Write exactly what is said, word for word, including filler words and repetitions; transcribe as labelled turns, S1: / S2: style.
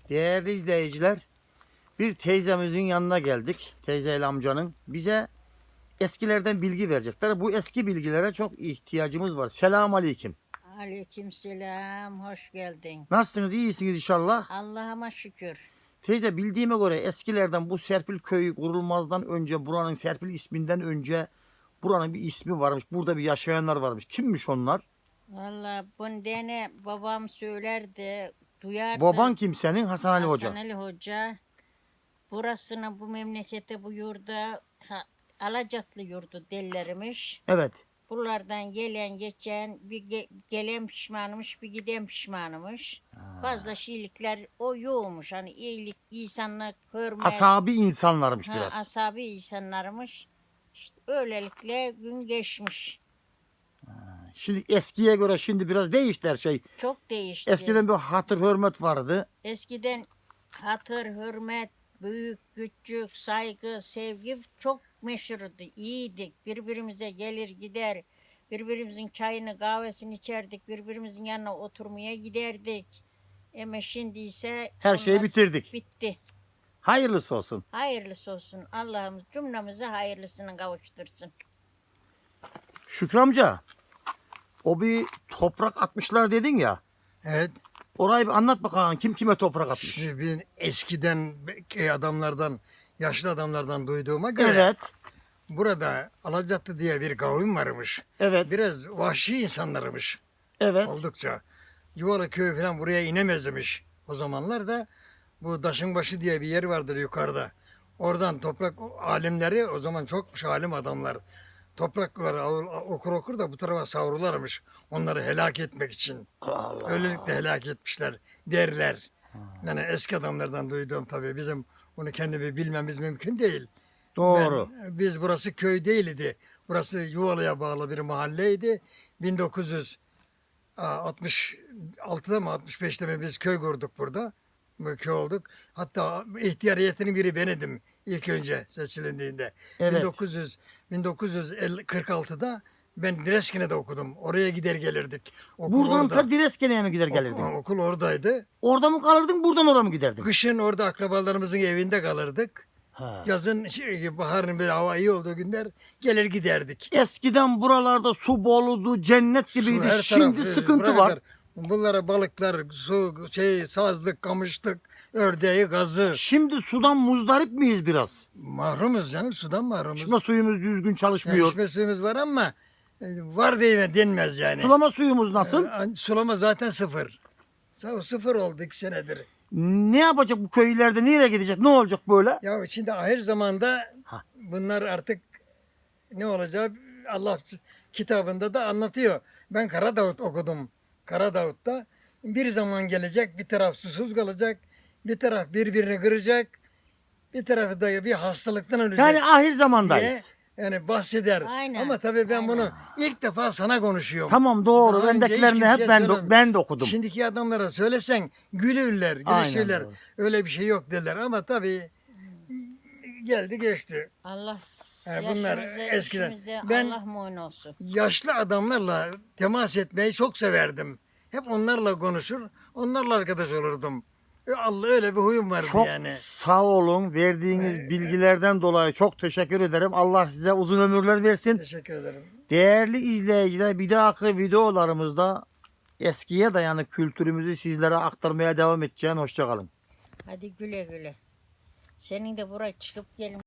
S1: Değerli izleyiciler, bir teyzemizin yanına geldik. Teyzeyle amcanın. Bize eskilerden bilgi verecekler. Bu eski bilgilere çok ihtiyacımız var. Selamun aleyküm.
S2: Aleykümselam, hoş geldin.
S1: Nasılsınız? İyisiniz inşallah.
S2: Allah'ıma şükür.
S1: Teyze, bildiğime göre eskilerden bu Serpil köyü kurulmazdan önce, buranın Serpil isminden önce buranın bir ismi varmış. Burada bir yaşayanlar varmış. Kimmiş onlar?
S2: Vallahi bunu dene babam söylerdi, duyardı.
S1: Baban kim senin? Hasan Ali Hoca.
S2: Hasan Ali Hoca. Burasını, bu memlekete, bu yurda ha, Alacatlı yurdu derlermiş.
S1: Evet.
S2: Buralardan gelen geçen bir ge- gelen pişmanmış, bir giden pişmanmış. Fazla şeylikler o yoğmuş. Hani iyilik, insanlık, hürmet.
S1: Asabi insanlarmış
S2: Ha,
S1: biraz.
S2: asabi insanlarmış. İşte öylelikle gün geçmiş.
S1: Şimdi eskiye göre şimdi biraz değişti her şey.
S2: Çok değişti.
S1: Eskiden bir hatır hürmet vardı.
S2: Eskiden hatır, hürmet, büyük, küçük, saygı, sevgi çok meşhurdu. İyiydik. Birbirimize gelir gider. Birbirimizin çayını, kahvesini içerdik. Birbirimizin yanına oturmaya giderdik. Ama şimdi ise
S1: Her şeyi
S2: onlar
S1: bitirdik.
S2: bitti.
S1: Hayırlısı olsun.
S2: Hayırlısı olsun. Allah'ımız cümlemize hayırlısını kavuştursun.
S1: Şükrü amca, o bir toprak atmışlar dedin ya.
S3: Evet.
S1: Orayı bir anlat bakalım. Kim kime toprak atmış?
S3: Şimdi ben eskiden köy adamlardan, yaşlı adamlardan duyduğuma göre
S1: Evet.
S3: burada Alacatlı diye bir kavim varmış.
S1: Evet.
S3: Biraz vahşi insanlarmış
S1: Evet.
S3: oldukça. Yuvalı köy falan buraya inemezmiş. O zamanlar da bu Daşınbaşı diye bir yer vardır yukarıda. Oradan toprak alimleri, o zaman çokmuş alim adamlar. Toprakları okur okur da bu tarafa savrularmış. Onları helak etmek için.
S1: Allah.
S3: Öylelikle helak etmişler derler. Yani eski adamlardan duyduğum tabii, bizim bunu kendimi bilmemiz mümkün değil.
S1: Doğru.
S3: Ben, biz burası köy değildi. Burası Yuvalı'ya bağlı bir mahalleydi. bin dokuz yüz altmış altıda mı altmış beşte mi biz köy kurduk burada. Bu köy olduk. Hatta ihtiyar heyetinin biri benedim ilk önce seçilindiğinde.
S1: Evet.
S3: bin dokuz yüz bin dokuz yüz kırk altıda ben Direskene'de okudum. Oraya gider gelirdik. Okul
S1: Buradan
S3: orada.
S1: ta Direskene'ye mi gider gelirdin?
S3: Okul, okul oradaydı.
S1: Orada mı kalırdın, buradan oraya mı giderdin?
S3: Kışın orada akrabalarımızın evinde kalırdık.
S1: Ha.
S3: Yazın şey, baharın böyle hava iyi olduğu günler gelir giderdik.
S1: Eskiden buralarda su boludu, cennet
S3: Su
S1: gibiydi.
S3: her
S1: Şimdi
S3: taraf,
S1: sıkıntı
S3: buraya
S1: var.
S3: kadar. Bunlara balıklar, su, şey, sazlık, kamışlık, ördeği, gazı.
S1: Şimdi sudan muzdarip miyiz biraz?
S3: Mahrumuz canım, sudan mahrumuz.
S1: İçme suyumuz düzgün
S3: Yani
S1: çalışmıyor.
S3: içme suyumuz var ama e, var diye denmez yani.
S1: Sulama suyumuz nasıl?
S3: E, Sulama zaten sıfır. Sa- Sıfır oldu iki senedir.
S1: Ne yapacak bu köylerde? Nereye gidecek? Ne olacak böyle?
S3: Ya içinde ahir zamanda
S1: Ha.
S3: bunlar artık ne olacak Allah kitabında da anlatıyor. Ben Karadavut okudum. Karadavut'ta bir zaman gelecek, bir taraf susuz kalacak, bir taraf birbirini kıracak, bir tarafı da bir hastalıktan ölecek
S1: Yani ahir
S3: diye
S1: zamandayız.
S3: yani bahseder.
S2: Aynen,
S3: Ama tabii ben
S2: aynen.
S3: bunu ilk defa sana konuşuyorum.
S1: Tamam, doğru.
S3: Daha önce hiç
S1: Bendekilerini hep
S3: kimseye
S1: ben de,
S3: söylemedim.
S1: ben de okudum.
S3: Şimdiki adamlara söylesen gülürler,
S1: Aynen
S3: gülüşürler.
S1: doğru.
S3: Öyle bir şey yok derler ama tabii geldi geçti.
S2: Allah
S3: Yani bunlar
S2: yaşımıza,
S3: eskiden.
S2: işimize
S3: Ben
S2: Allah muin olsun.
S3: yaşlı adamlarla temas etmeyi çok severdim. Hep onlarla konuşur, onlarla arkadaş olurdum. E, Allah, öyle bir huyum vardı
S1: Çok
S3: yani.
S1: sağ olun. Verdiğiniz bilgilerden dolayı çok teşekkür ederim. Allah size uzun ömürler versin.
S3: Teşekkür ederim.
S1: Değerli izleyiciler, bir dahaki videolarımızda eskiye dayanık kültürümüzü sizlere aktarmaya devam edeceğim. Hoşçakalın.
S2: Hadi güle güle. Senin de buraya çıkıp gelin.